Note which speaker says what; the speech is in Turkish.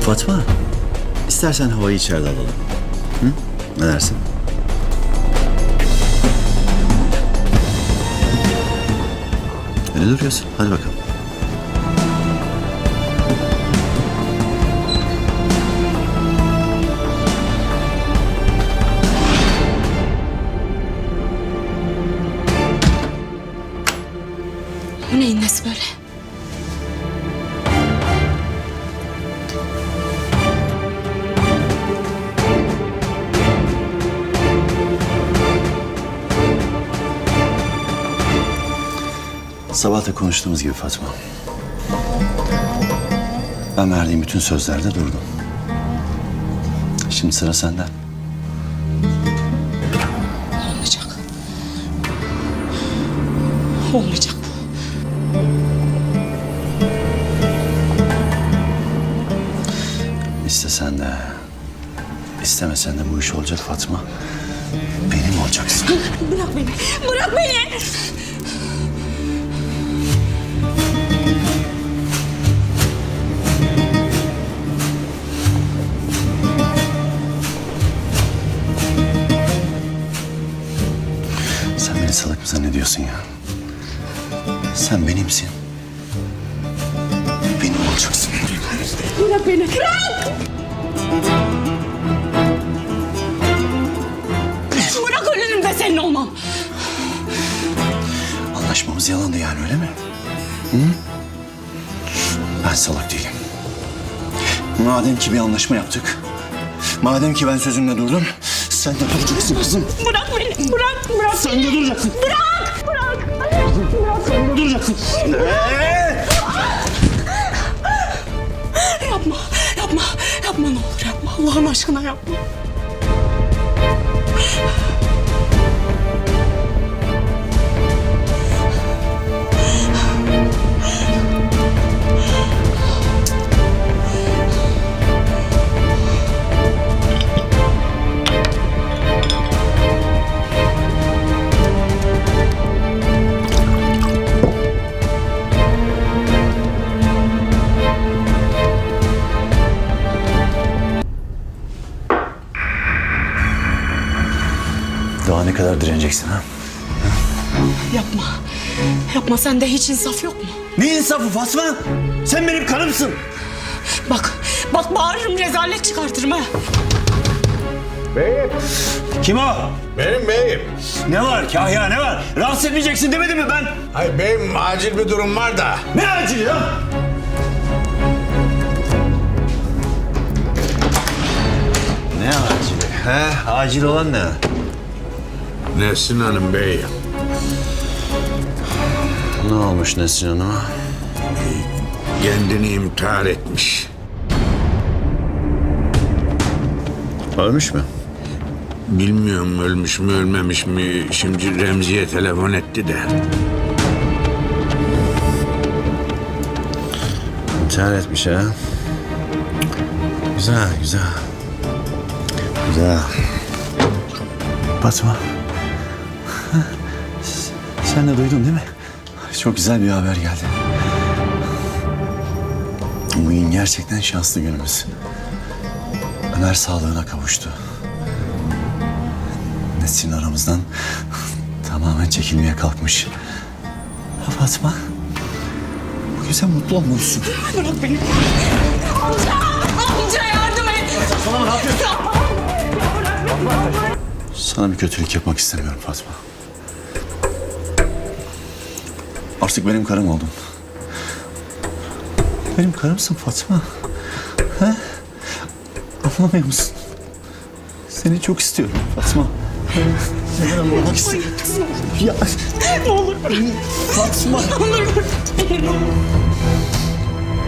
Speaker 1: Fatma, istersen havayı içeride alalım. Hı? Ne dersin? Öyle duruyorsun. Hadi bakalım.
Speaker 2: Bu neyin nesi böyle?
Speaker 1: Sabah da konuştuğumuz gibi Fatma. Ben verdiğim bütün sözlerde durdum. Şimdi sıra sende.
Speaker 2: Olmayacak. Olmayacak bu.
Speaker 1: İstesen de, istemesen de bu iş olacak Fatma. Benim olacaksın.
Speaker 2: Bırak beni. Bırak beni.
Speaker 1: Sen beni salak mı zannediyorsun ya? Sen benimsin. Benim olacaksın.
Speaker 2: Bırak beni. Bırak. Bırak ölürüm de senin olmam.
Speaker 1: Anlaşmamız yalandı yani, öyle mi? Hı? Ben salak değilim. Madem ki bir anlaşma yaptık, madem ki ben sözümle durdum, sen de duracaksın kızım.
Speaker 2: Bırak beni. Bırak. Bırak.
Speaker 1: Sen de duracaksın.
Speaker 2: Bırak. Bırak.
Speaker 1: Sen de duracaksın.
Speaker 2: Yapma. Yapma. Yapma ne olur yapma. Allah'ın aşkına yapma.
Speaker 1: Daha ne kadar direneceksin ha?
Speaker 2: Yapma. Yapma, sende hiç insaf yok mu?
Speaker 1: Ne insafı Fatma? Sen benim karımsın.
Speaker 2: Bak. Bak bağırırım, rezalet çıkartırım ha.
Speaker 3: Beyim,
Speaker 1: Kim o?
Speaker 3: benim beyim.
Speaker 1: Ne var Kahya, ne var? Rahatsız etmeyeceksin demedim mi ben?
Speaker 3: Hayır beyim, acil bir durum var da.
Speaker 1: Ne acil ya? Ne acili? He, acil olan ne?
Speaker 3: Nesrin Hanım beyim.
Speaker 1: Ne olmuş Nesrin Hanım'a?
Speaker 3: Kendini intihar etmiş.
Speaker 1: Ölmüş mü?
Speaker 3: Bilmiyorum ölmüş mü ölmemiş mi. Şimdi Remzi'ye telefon etti de.
Speaker 1: İntihar etmiş ha. Güzel, güzel. Güzel. Fatma. Sen de duydun değil mi? Çok güzel bir haber geldi. Bugün gerçekten şanslı günümüz. Ömer sağlığına kavuştu. Nesrin aramızdan tamamen çekilmeye kalkmış. Ha Fatma, bugün sen mutlu olmalısın.
Speaker 2: Bırak beni. Amca! Amca yardım et.
Speaker 1: Sana ne yapıyorsun? Sana bir kötülük yapmak istemiyorum Fatma. Artık benim karım oldun. Benim karımsın Fatma. He? Anlamıyor musun? Seni çok istiyorum Fatma. Seni anlamak istiyorum. Ya
Speaker 2: Ne olur bırak.
Speaker 1: Fatma.
Speaker 2: Ne olur bırak beni.